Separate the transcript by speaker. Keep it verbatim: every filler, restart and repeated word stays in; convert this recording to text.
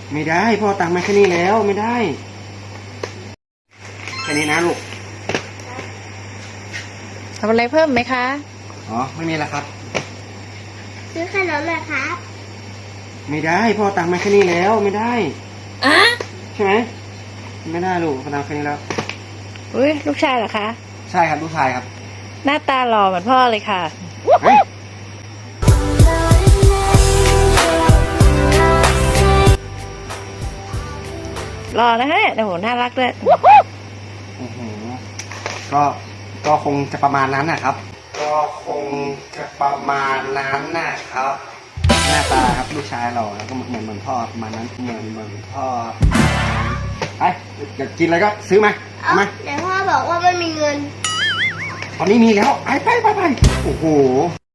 Speaker 1: ไม่ได้พ่อตังค์มาแค่นี้แล้วไม่ได้แค่นี้นะลูก
Speaker 2: ทำอะไรเพิ่มไหมคะ
Speaker 1: อ๋อไม่มีแล้วครับ
Speaker 3: ซื้อขนมหน่อยครับ
Speaker 1: ไม่ได้พ่อตังค์มาแค่นี้แล้วไม่ได้
Speaker 2: อะ
Speaker 1: ใช่ไหมไม่ได้ลูกพ่อตังค์แค่นี้แล้ว
Speaker 2: อุ้ยลูกชายเหรอคะ
Speaker 1: ใช่ครับลูกชายครับ
Speaker 2: หน้าตาหล่อเหมือนพ่อเลยค่ะหล่อนะฮะโอ้โหน่ารักด้วย
Speaker 1: โอ้โหก็ก็คงจะประมาณนั้นนะครับก็คงจะประมาณนั้นนะครับหน้าตาครับลูกชายเราแล้วก็เหมือนเหมือนพ่อประมาณนั้นเหมือนเหมือนพ่อไปอยากกินอะไรก็ซื้อมาเอามา
Speaker 3: แต่พ่อบอกว่าไม่มีเงิน
Speaker 1: ตอนนี้มีแล้วไปไปไปไปโอ้โห